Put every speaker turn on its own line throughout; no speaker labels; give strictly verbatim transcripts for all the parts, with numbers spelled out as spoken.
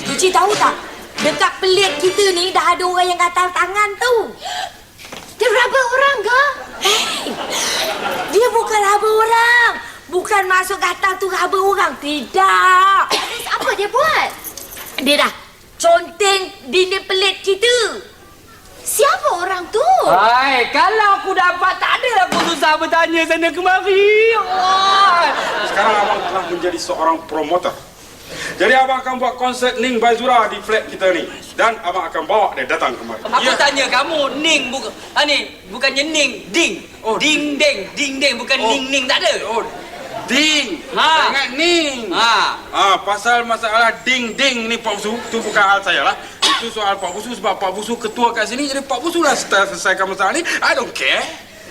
Cuci tahu tak? Dekat pelik kita ni dah ada orang yang gatal tangan tu.
Dia raba orang ke?
Hey, dia bukan raba orang. Bukan masuk gatal tu raba orang. Tidak.
Terus apa dia buat?
Dia dah conteng dinding pelik kita.
Siapa orang tu?
Hai, kalau aku dapat tak adalah aku susah bertanya sana kemari. Oh.
Sekarang abang telah menjadi seorang promoter. Jadi abang akan buat konsert Ning Baizura di flat kita ni. Dan abang akan bawa dia datang kemari.
Aku
Ya.
tanya kamu, Ning bukan ha ni, bukannya Ning, Ding.
Oh,
ding deng, ding deng bukan
Oh.
Ning Ning tak ada.
Oh, Ding.
Ha.
Jangan Ning.
Ha.
Ah, pasal masalah ding ding ni Pak Busu, tu bukan hal saya lah. Itu soal Pak Busu sebab Pak Busu ketua kat sini, jadi Pak Busu lah setelah selesaikan masalah ni. I don't care.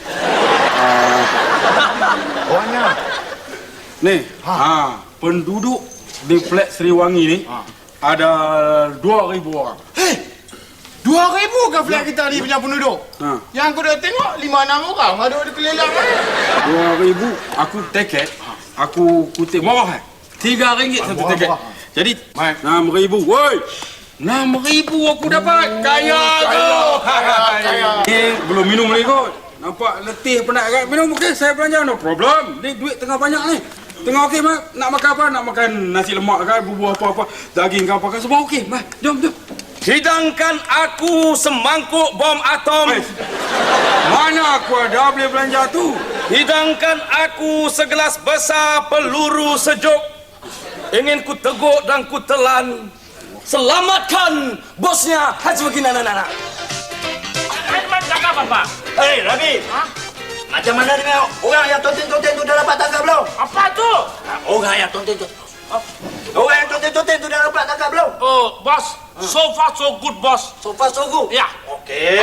Orangnya.
Ni, ha. ha, penduduk di flat Seriwangi ni ha. ada dua ribu orang.
Hei! Dua ribu ke flat kita ni punya penduduk?
Ha.
Yang aku dah tengok lima enam orang ada di keliling ni.
Dua ribu, aku tiket, aku kutip murah eh. Tiga ringgit satu
Murah,
tiket.
murah.
Jadi,
Baik.
enam ribu. Woi! Enam ribu aku dapat. Kaya tu.
Kaya.
Ni belum minum lagi kot. Nampak letih penat kat minum. Okey, saya belanja. No problem. Ni duit tengah banyak ni. Tengah okey, Mak. Nak makan apa? Nak makan nasi lemak kan? Bubur apa-apa. Daging ke apa kan? Semua okey. Mak, jom, jom.
Hidangkan aku semangkuk bom atom.
Eh, mana aku ada boleh belanja tu?
Hidangkan aku segelas besar peluru sejuk. Ingin ku teguk dan ku telan. Selamatkan bosnya Haji Begina Nana.
Aiman cakap apa?
Hei, Rabi.
Hah?
Macam mana dengan orang yang tonten-tonten tu dah dapat tangkap belum?
Apa tu?
Orang yang tonten-tonten. Orang yang tonten-tonten tu dah dapat tangkap belum?
Oh, bos. So far so good, bos.
So far so good.
Ya.
Okey.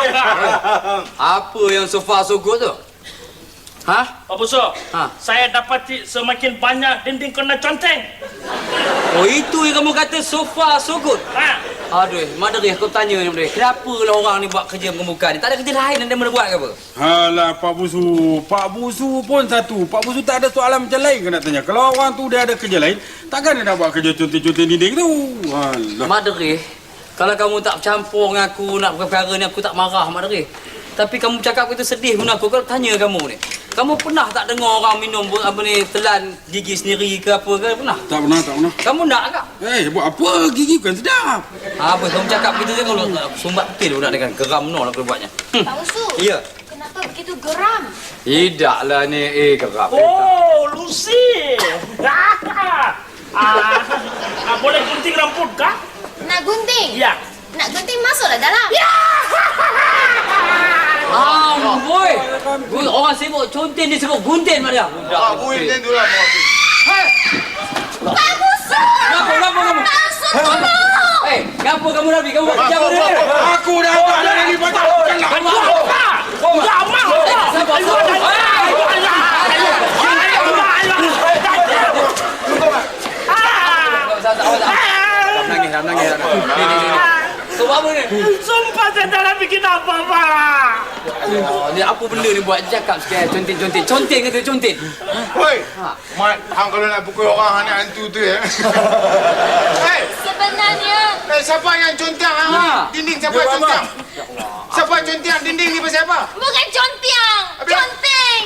Apa yang so far so good tu? Ha?
Pak Busu,
Ha.
saya dapati semakin banyak dinding kena conteng.
Oh, itu yang kamu kata so far so good.
Ha.
Aduh, Madri aku tanya ni, Madri. Kenapa lah orang ni buat kerja mengemuka ni? Tak ada kerja lain yang dia boleh buat ke apa?
Alah, Pak Busu. Pak Busu pun satu. Pak Busu tak ada soalan macam lain ke nak tanya. Kalau orang tu dia ada kerja lain, takkan dia nak buat kerja contoh-contoh dinding tu. Alah.
Madri, kalau kamu tak campur dengan aku nak perkara ni, aku tak marah, Madri. Tapi kamu cakap itu sedih pun aku. Kalau tanya kamu ni, kamu pernah tak dengar orang minum apa ni telan gigi sendiri ke apa ke? Pernah?
Tak pernah, tak pernah.
Kamu nak ke?
Eh, buat apa? Gigi bukan sedap.
Apa kamu cakap begitu je kalau sumbat betul budak dengan geram no nak kena buatnya.
Pak Usu.
Ya.
Kenapa begitu geram?
Tidaklah ni eh geram.
Oh, Lucy. ah, ah, boleh gunting rambut kah?
Nak gunting?
Ya.
Nak gunting masuklah dalam.
Ya.
Ah, boy. Boy, orang sibuk contin dia sebut gunting mak dia.
Ah, buih macam tu lah.
Pak Usu!
Kenapa, kenapa kamu?
Pak Usu, tolong!
Eh, kenapa kamu Nabi? Kamu buat kerja apa dia?
Aku dah buat dah ni baca.
Kamu
Ya, apa? Ya, amal.
Sabar, sabar. Nangis, nangis. Ni, ni, ni. Kau buat apa ni?
Sumpah saya tak nak bikin apa-apa.
Oh, ni apa benda ni buat cakap sikit contin-contin. Contin ke tu contin?
Hoi. Mat, hang kalau nak pukul orang hang hantu tu ya. Hei,
Sebenarnya,
eh, siapa yang contang hang?
Ha.
Dinding siapa yang contang? Siapa yang contang dinding ni pasal apa?
bukan contiang, conting.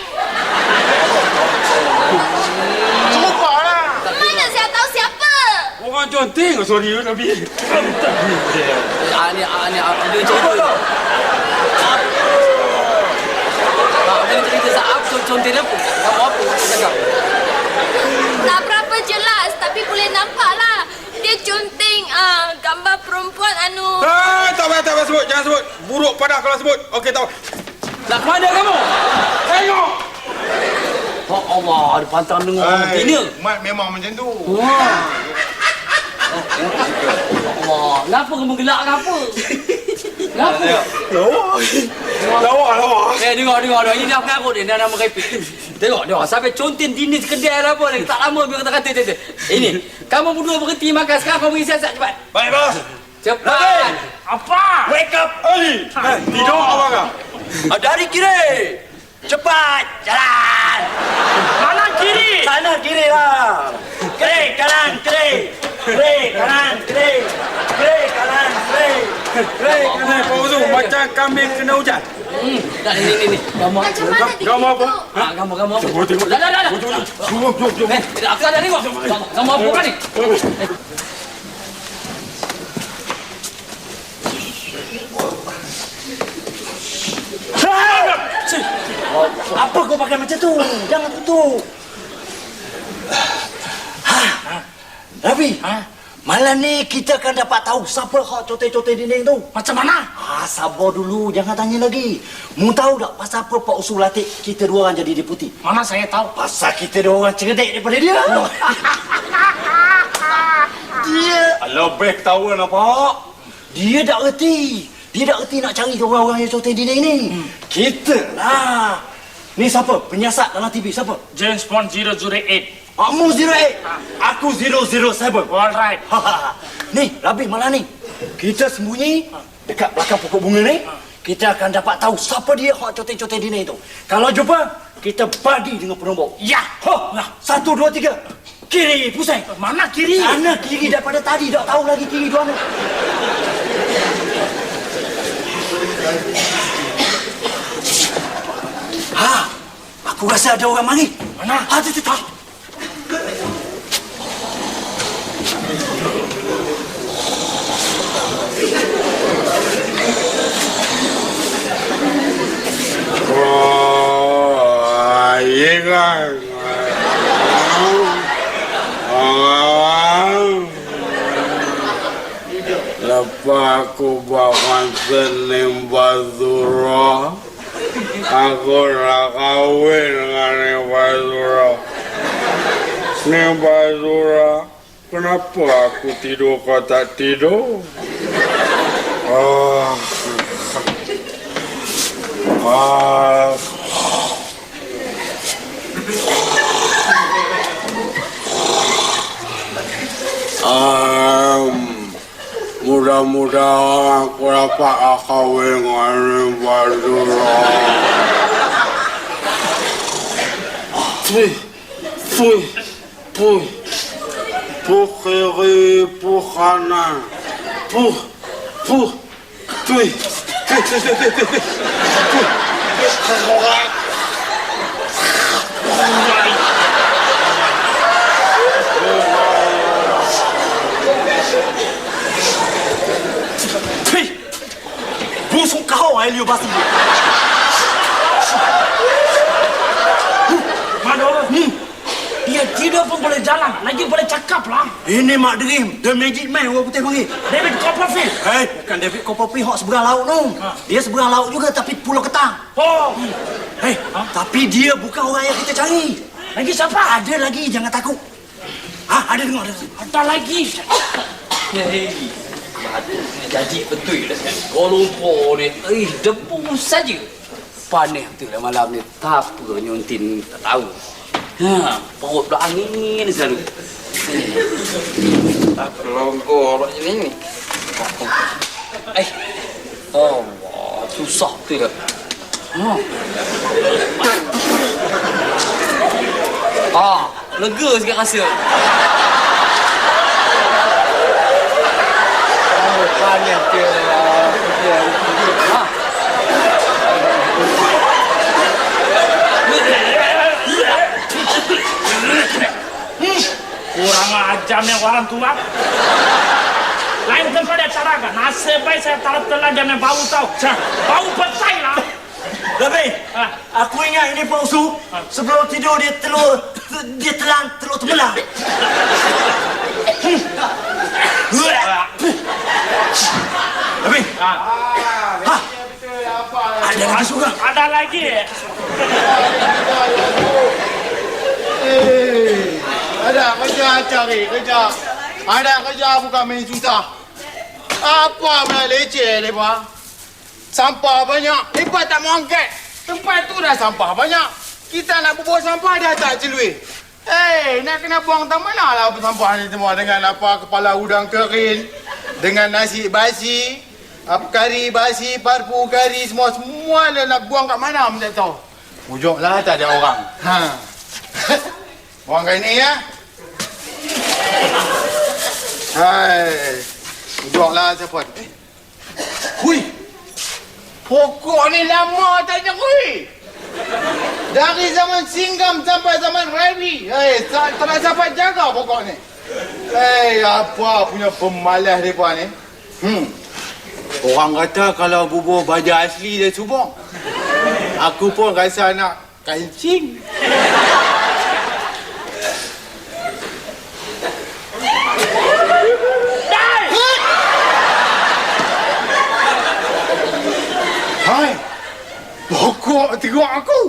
Serupa lah.
Mana saya tahu siapa?
Orang conteng. Sorry, Nabi.
Ah, ni, ah, ni, ah, dia cerita. Ah, dia cerita saat contin apa? Kamu apa cakap?
Tak berapa jelas, tapi boleh nampak lah. Dia conting uh, gambar perempuan anu.
Ah, tak payah, tak payah sebut. Jangan sebut. Buruk padah kalau sebut. Okey, tak apa.
Nak ke mana kamu?
Tengok.
Oh Allah, ada pantang dengar orang
Hei,
betina.
Mat memang macam tu.
Wah. Allah, kenapa kamu gelak kenapa? Kenapa?
Lawa, lawa.
Eh, tengok, tengok, tengok. Ini dah pengarut dia, dah nama repit. Tengok, tengok. Sampai contin dinding kedai lah apa. Tak lama biar kata-kata. Kata. Ini, kamu berdua berhenti makan. Sekarang kamu pergi siasat cepat.
Baik, bos.
Cepat.
Apa?
Wake up.
Hey, tidur apa kau?
Dari kiri. Cepat. Jalan.
Mana kiri?
Sana kiri lah. Kiri, kanan, kiri. Kiri, kanan, kiri.
Hei, kena Pak Uzu, macam kambing kena hujan.
Hmm, dah ni ni ni. Gambar.
Macam mana dia
Gambar apa?
Ha, gambar gambar apa?
Tengok, tengok.
Dah dah dah. dah.
Jom, jom, jom, jom, jom.
Eh, aku ada tengok. Gambar apa kan ni?
Apa kau pakai macam tu? Jangan tutup. Ha. Rabi, ha? Malam ni kita akan dapat tahu siapa hak cote-cote dinding tu.
Macam mana?
Ah, sabar dulu, jangan tanya lagi. Mu tahu tak pasal apa Pak Usul latih kita dua orang jadi deputi?
Mana saya tahu.
Pasal kita dua orang cerdik daripada dia. Dia
Lebih ketawa nampak.
dia tak reti. Dia tak reti nak cari orang-orang yang cote dinding ni. Hmm. Kita lah. Ni siapa? Penyiasat dalam T V siapa?
James Bond zero zero eight.
Kamu zero eight. Aku zero zero seven.
Alright.
Ni, Rabi malam ni. Kita sembunyi dekat belakang pokok bunga ni. Kita akan dapat tahu siapa dia hak cote-cote dini tu. Kalau jumpa, kita bagi dengan penumbuk.
Ya.
Ho, nah, satu, dua, tiga. Kiri, pusing.
Mana kiri?
Sana kiri daripada tadi. Tak tahu lagi kiri dua mana. Ha, aku rasa ada orang mari.
Mana?
Ha, tu, tu, tu.
Oh, ingat. Lepas aku bawa senim Bazura, aku nak kahwin dengan Nim Bazura. Nim Bazura, kenapa aku tidur kau tak tidur? Ah, ah. Um, mudah-mudahan aku dapat kahwin dengan Nim Bazura. Pui, pui, pui, pui kiri, pui kanan, pui, pui, pui, pui, pui, pui, pui.
Busuk kau, Elio Basi.
Mana orang? Hmm. Dia tidak pun boleh jalan, lagi boleh cakap lah.
Ini Mak Dream, The Magic Man, orang putih panggil.
David Copperfield.
Hei, bukan David Copperfield, hak seberang laut tu.
Ha.
Dia seberang laut juga, tapi Pulau Ketang.
Oh,
Hei, ha? Tapi dia bukan orang yang kita cari.
lagi siapa?
Ada lagi, jangan takut. Ha, ada dengar, ada.
Ada lagi.
Hei. Jadi betul dah sekarang. Kuala Lumpur ni, eh, debu saja. Panas betul lah malam ni. Tak apa nyuntin tak tahu. Ha, perut dah angin selalu. Tak pelonggor macam ni. Eh, Allah, susah betul lah. Ha. Ah, lega sikit rasa. Panas ke lah. Ha.
Kurang ajar ni orang tua. Lain tempat dia cara kan. Nasib baik saya tak telan dia main bau tau. Bau petai lah.
Tapi,
Ha.
aku ingat ini Pak Usu. Sebelum tidur dia telur, dia telan telur tembelang. Tapi,
Ha.
ha, ada lagi juga.
Ada lagi.
Eh, ada kerja cari kerja. Ada kerja bukan main susah. Apa main leceh lepas? Sampah banyak. Lepas tak mau angkat. Tempat tu dah sampah banyak. Kita nak bubuh sampah dah tak celui. Eh, nak kena buang tak mana lah sampah ni semua dengan apa kepala udang kering, dengan nasi basi, apa kari basi, parpu kari semua semua lah nak buang kat mana pun tak tahu. Ujunglah tak ada orang. Ha. Buang kat ni ya. Hai. Ujunglah siapa? Eh. Hui. Pokok ni lama tak nyekui. Dari zaman Singgam sampai zaman Rabi. Eh, tak tak nak siapa jaga pokok ni. Eh, apa punya pemalas mereka ni. Hmm. Orang kata kalau bubur baja asli dia subang. Aku pun rasa nak kancing. Hai. Pokok teruk aku.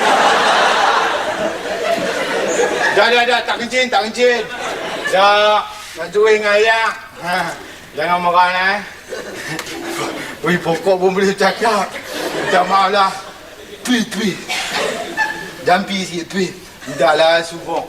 Dah, dah, dah. Tak kencing, tak kencing. Dah. Nak cuy dengan ayah. Ha. Jangan marah, eh. Ui, pokok pun boleh cakap. Minta maaf lah. Tui, tui. Jampi sikit, tui. Dah lah, subang.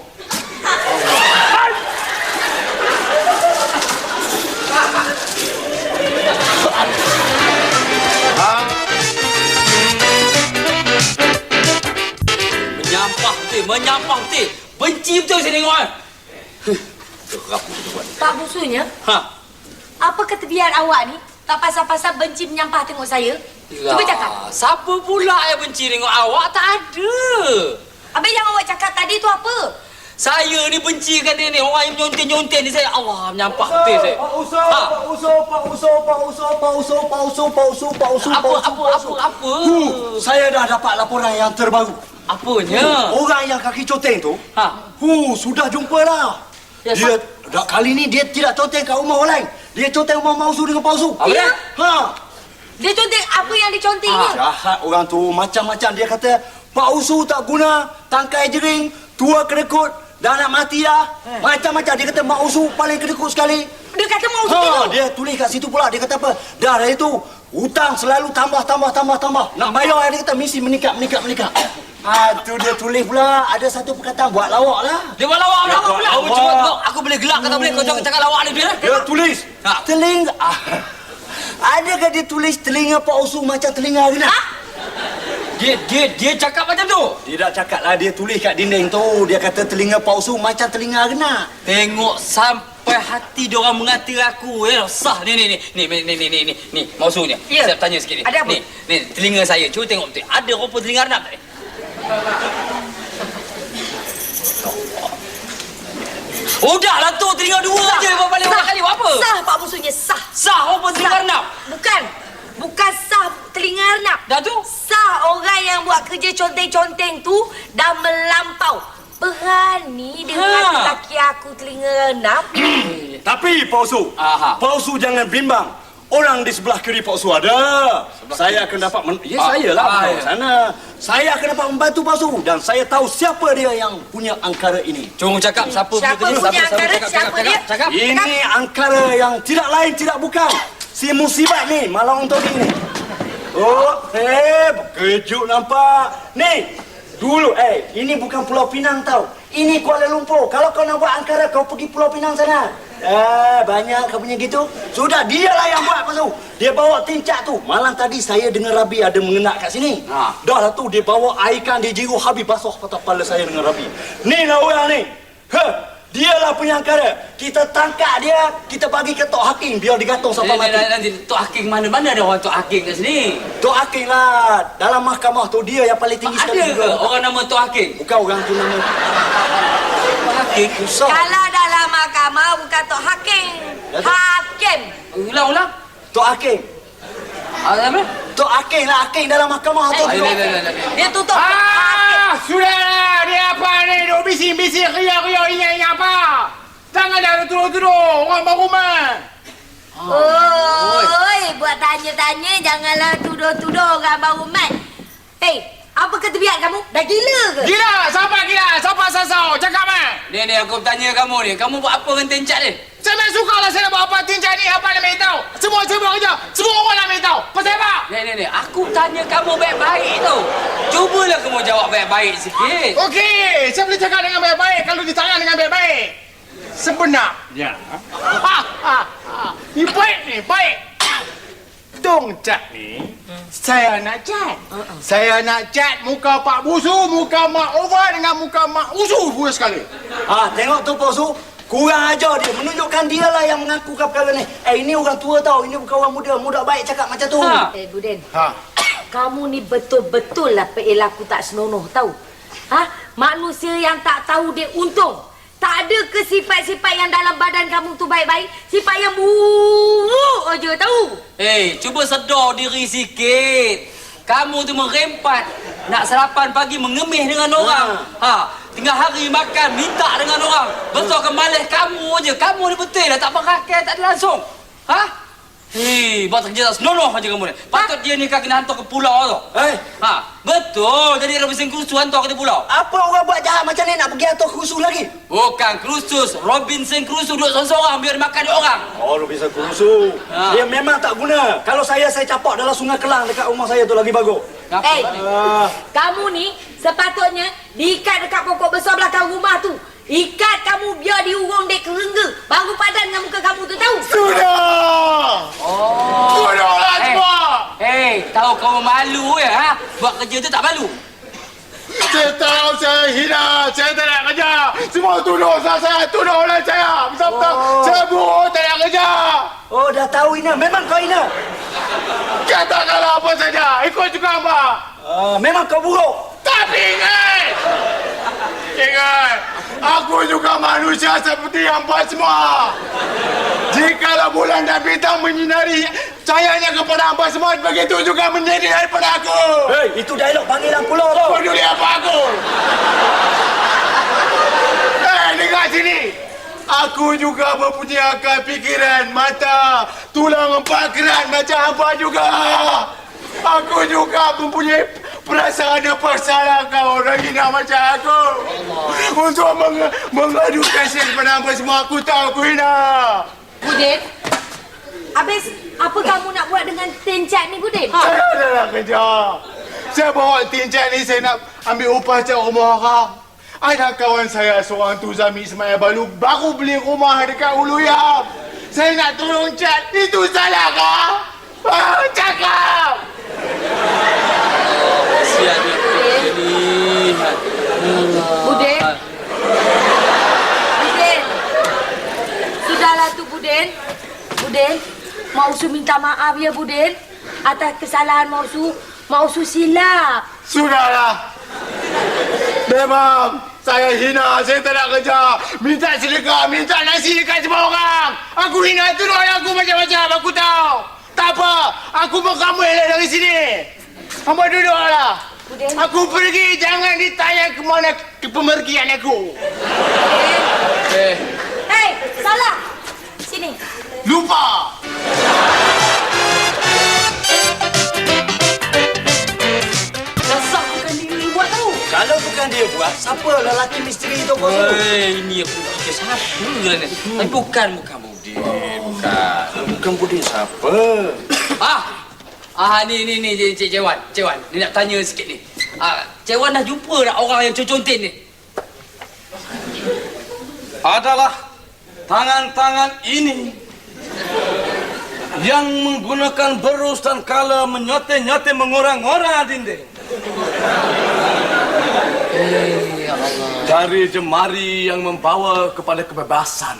Menyampah betul, menyampah betul. Benci betul saya tengok kan. Terap betul buat.
Pak Busunya,
Ha.
apa ketebihan awak ni? Tak pasal-pasal benci menyampah tengok saya. Cuba cakap.
Siapa pula yang benci tengok awak? Tak ada.
Habis yang awak cakap tadi tu apa?
Saya ni bencikan dia ni. Orang yang menyontek-nyontek ni saya. Allah, menyampah betul saya.
Pak Uso, Pak Uso, Pak Uso, Pak Uso, Pak Uso, Pak Uso, Pak Uso, Pak Uso,
Apa,
Pak Uso,
apa,
Pak
apa,
Uso.
apa?
Hu, saya dah dapat laporan yang terbaru.
Apanya?
Orang yang kaki coteng tu,
Ha.
hu, sudah jumpa dah.
Ya,
Dia, dah, kali ni dia tidak coteng kat rumah orang lain. Dia coteng rumah Mausu dengan Pak Uso.
Apa dia?
Ha.
Dia contek apa yang dicontek ni?
Jahat orang tu, macam-macam dia kata, Pak Usu tak guna, tangkai jering, tua kedekut, dah nak mati dah.
Eh.
Macam-macam dia kata Mak Usu paling kedekut sekali.
Dia kata mau
Ha,
ha,
dia tulis kat situ pula, dia kata apa? Dah dari itu, hutang selalu tambah, tambah, tambah, tambah. Nak bayar dia kata mesti meningkat, meningkat, meningkat. Ha, tu dia tulis pula, ada satu perkataan buat lawak lah.
Dia buat lawak,
Dia
lawak
buat
pula. Aku
lawak.
cuba tengok. Aku boleh gelak kata boleh. Kau jangan cakap lawak ni dia.
Dia tulis,
Ha.
telinga. Ah, adakah dia tulis telinga Pak Usu macam telinga renat?
Dia dia dia cakap macam tu.
Dia dah cakap lah, dia tulis kat dinding tu. Dia kata telinga Pak Usu macam telinga renat.
Tengok sampai hati dia orang mengata aku ya. Sah ni ni ni ni ni ni ni ni ni. Ni maksudnya.
Ya.
Saya tanya sikit ni.
Ada apa?
Ni ni telinga saya. Cuba tengok betul. Ada rupa telinga renap tak ni? Udahlah tu telinga dua aja balik orang kali buat apa?
Sah Pak Busunya, sah.
Sah rupa telinga renap.
Bukan. Bukan sah telinga renap.
Dah tu?
Sah orang yang buat kerja conteng-conteng tu dah melampau. Berani dengan
Ha.
laki aku telinga renap.
Tapi Pak Usu,
Aha.
Pak Usu jangan bimbang. Orang di sebelah kiri Pak Usu ada. Saya akan dapat men- ya,
Ah,
saya lah
ah,
ah,
ya.
sana. Saya akan dapat membantu Pak Usu dan saya tahu siapa dia yang punya angkara ini.
Cuma cakap siapa
Siapa
punya
punya
siapa,
angkara?
cakap,
Siapa
cakap,
dia?
Cakap, cakap.
Ini angkara yang tidak lain tidak bukan si musibat ni, Malang Untuk ni. Oh, eh, kejut nampak. Ni, dulu eh, ini bukan Pulau Pinang tau. Ini Kuala Lumpur. Kalau kau nak buat angkara, kau pergi Pulau Pinang sana. Eh, banyak kau punya gitu. Sudah, dialah yang buat pasal. Dia bawa tincak tu. Malam tadi saya dengar Rabi ada mengenak kat sini.
Ha.
Dah lah tu, dia bawa air ikan, dia jiru habis basuh patah kepala saya dengan Rabi. Ni lah orang ni. Heh, dialah punya angkara. Kita tangkap dia, kita bagi ke Tok Hakim biar digantung sampai
Nanti,
mati.
nanti Tok Hakim mana-mana ada orang Tok Hakim kat sini.
Tok Hakim lah. Dalam mahkamah tu dia yang paling tinggi
Ada
sekali
ke orang nama Tok Hakim?
Bukan orang tu nama.
Tok Hakim?
Usah.
Kalau dalam mahkamah bukan Tok Hakim. Hakim.
Ulang-ulang.
Tok Hakim.
Ah, apa?
Tok Hakim lah. Hakim dalam mahkamah tu.
Ah, ya, ya, ya, ya.
Dia tutup Hakim.
Ah, sudahlah. Dia apa ni? Duk bising-bising, riak-riak, ingat-ingat apa? Jangan dah tuduh-tuduh orang baru rumah.
Oi, buat tanya-tanya janganlah tuduh-tuduh orang baru mat. Hei, apa ketebihan kamu? Dah gila ke?
Gila, siapa gila? Siapa sasau? Cakap mah.
Ni ni aku tanya kamu ni. Kamu buat apa dengan tencak ni?
Saya memang suka lah saya nak buat apa tinjau ni, apa nak tahu. Semua saya buat kerja. Semua orang nak tahu. Pasal apa?
Ni ni ni. Aku tanya kamu baik-baik tu. Cubalah kamu jawab baik-baik sikit.
Okey, saya boleh cakap dengan baik-baik kalau ditanya dengan baik-baik. Sebenarnya, ha, ha, ha. Ni baik ni, baik. Dong cat ni, saya nak cat. Saya nak cat muka Pak Busu, muka Mak Ova dengan muka Mak Usu pula sekali.
Ah, tengok tu Pak Su. Kurang ajar dia. Menunjukkan dia lah yang mengaku perkara ni. Eh, ini orang tua tau. Ini bukan orang muda. Muda baik cakap macam tu.
Ha.
Eh, Buden.
Ha.
Kamu ni betul-betul lah perilaku tak senonoh tahu. Ha? Manusia yang tak tahu dia untung. Tak ada ke sifat-sifat yang dalam badan kamu tu baik-baik. Sifat yang buruk aja tahu.
Eh, hey, cuba sedar diri sikit. Kamu tu merempat. Nak sarapan pagi mengemih dengan orang. Ha, tengah hari makan minta dengan orang. Besar ke malas kamu aja. Kamu ni betul lah tak berakhir, tak ada langsung. Ha? Hei, buat kerja tak senonoh aja kamu ni. Patut dia ni kena hantar ke pulau tu.
Eh,
Ha, betul. Jadi Robinson Crusoe hantar ke pulau.
apa orang buat jahat macam ni nak pergi atur khusus lagi?
Bukan Crusoe, Robinson Crusoe duduk seorang-seorang biar makan dia orang.
Oh, lu bisa khusus.
Ha.
Dia memang tak guna. Kalau saya, saya capak dalam sungai Kelang dekat rumah saya tu lagi bagus.
Kenapa?
Eh,
Ah,
kamu ni sepatutnya diikat dekat pokok besar belakang rumah tu. Ikat kamu biar diurung dek kerengga. Baru padan dengan muka kamu tu tahu.
Sudah!
Oh.
Sudahlah
Eh,
semua!
hey, tahu kamu malu ya? Ha? Buat kerja tu tak malu.
Saya tahu saya hina, saya tak nak kerja. Semua tuduh saya, tuduh oleh saya. Betul-betul,
Oh.
saya buruk, tak nak kerja.
oh, dah tahu Ina. Memang kau Ina.
Katakanlah apa saja, ikut juga apa.
Ah, memang kau buruk.
Tapi ingat! Ingat, aku juga manusia seperti hampa semua. Jikalau bulan dan bintang menyinari cahayanya kepada hampa semua, begitu juga menyinari daripada aku.
Hei, itu dialog panggilan pulau tu.
Peduli apa aku? Eh, dengar sini. Aku juga mempunyai akal fikiran, mata, tulang empat kerat macam hampa juga. Aku juga mempunyai perasaan dan perasaan kau orang hina macam aku. Untuk meng mengadu kasih kepada hampa semua, aku tahu aku hina.
Budin, habis apa kamu nak buat dengan tin cat ni, Budin?
Saya dah nak kerja. Saya bawa tincat ni, saya nak ambil upah cat rumah orang. Ada kawan saya seorang tu Zami Ismail Balu baru beli rumah dekat Uluyam. Saya nak tolong cat. Itu salah kah? Ah, cakap!
Kasihan dia ni.
Budin. Budin. Sudahlah tu, Budin. Budin, Mausu minta maaf ya, Budin. Atas kesalahan Mausu. Mausu silap.
Sudahlah. Memang saya hina, saya tak nak kerja. Minta sedekah, minta nasi dekat semua orang. Aku hina tu orang aku macam-macam, aku tahu. Tak apa, aku mau kamu elak dari sini. Hamba duduklah.
Budin.
Aku pergi, jangan ditanya ke mana ke pemergian aku.
Eh,
Hei, salah. Sini.
Lupa.
dasar bukan dia buat tu.
Kalau bukan dia buat, siapa lelaki misteri itu kau suruh?
Hei, ini aku nak fikir siapa lah ni. Tapi bukan, bukan Budin. Bukan.
Bukan Budin siapa?
Ah, ah ni ni ni Cik Cik Wan, Cik Wan, ni nak tanya sikit ni. Ah, Cik Wan dah jumpa tak orang yang contin ni?
Adalah tangan-tangan ini yang menggunakan berus dan kala menyote-nyote mengorang-orang dinding.
Eh, ya Allah.
Jari jemari yang membawa kepada kebebasan.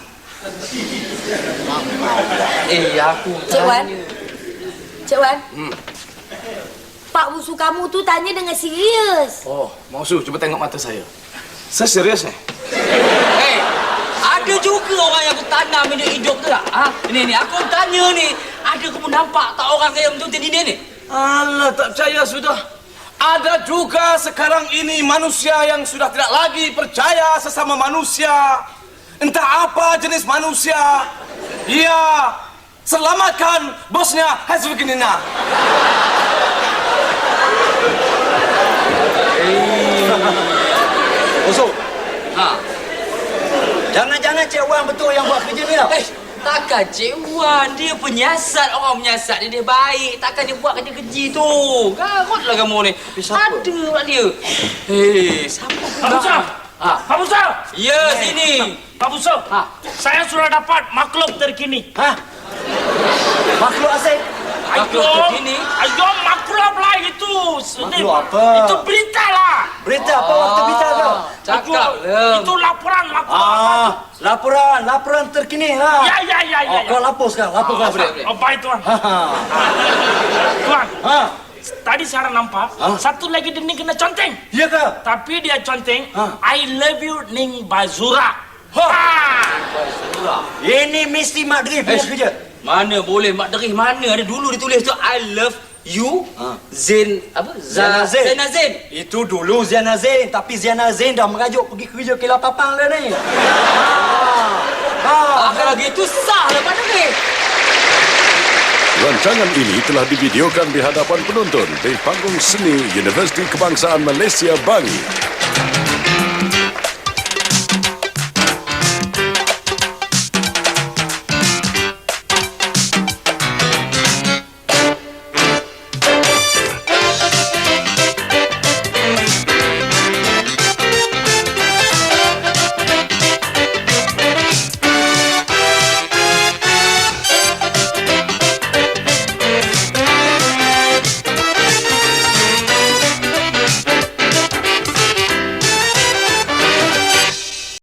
Eh, aku
Cik Wan.
tanya.
Cik Wan.
Hmm.
Pak Busu kamu tu tanya dengan serius.
Oh, Mausu, cuba tengok mata saya. Saya serius ni.
Eh, ada juga orang yang aku tanam hidup hidup tu tak? Ha? Ni ni, aku tanya ni, ada kamu nampak tak orang yang contin ini ni?
Alah, tak percaya sudah. Ada juga sekarang ini manusia yang sudah tidak lagi percaya sesama manusia. Entah apa jenis manusia. Ya, selamatkan bosnya Hazbukinina.
Musuh,
Ha.
jangan-jangan Cik Wan betul yang buat kerja ni tau.
Eh, takkan Cik Wan, dia penyiasat, orang menyiasat dia, dia baik. Takkan dia buat kerja-kerja tu. Garutlah kamu ni.
siapa?
Ada pula dia. Hei, siapa
Pak
pula?
Busa!
Ha.
Pak Busa!
Ya, sini.
Pak Busa,
Ha.
saya sudah dapat makhluk terkini.
Hah? Makhluk asing?
Makhluk
Ayo,
terkini?
ayo makhluk lah itu.
Makhluk apa?
Itu berita lah.
Berita apa waktu berita tu?
Cakap
Itu,
ya.
itu laporan, laporan.
Ah, laporan, laporan terkini ha.
Ya, ya, ya, ya.
Oh, kau
ya.
lapor sekarang, lapor kau.
Oh, baik tuan.
Ha ha.
Tuan,
Ha.
tadi saya nampak
Ah.
satu lagi Ning kena conteng.
Ya ke?
Tapi dia conteng,
Ah.
I love you Ning Bazura.
Ha.
Ah.
Ini mesti Mak Drif punya
Eh,
kerja.
Mana boleh Mak Derih, mana ada dulu ditulis tu I love you
Ha.
Zain apa?
Zainal Zain.
Zainal Zain.
Itu dulu Ziana Zain, tapi Ziana Zain dah merajuk pergi kerja Kilau Papang dah ni. Ha.
Ah,
Ha.
kalau gitu sah lah Mak Derih.
Rancangan ini telah divideokan di hadapan penonton di panggung seni Universiti Kebangsaan Malaysia Bangi.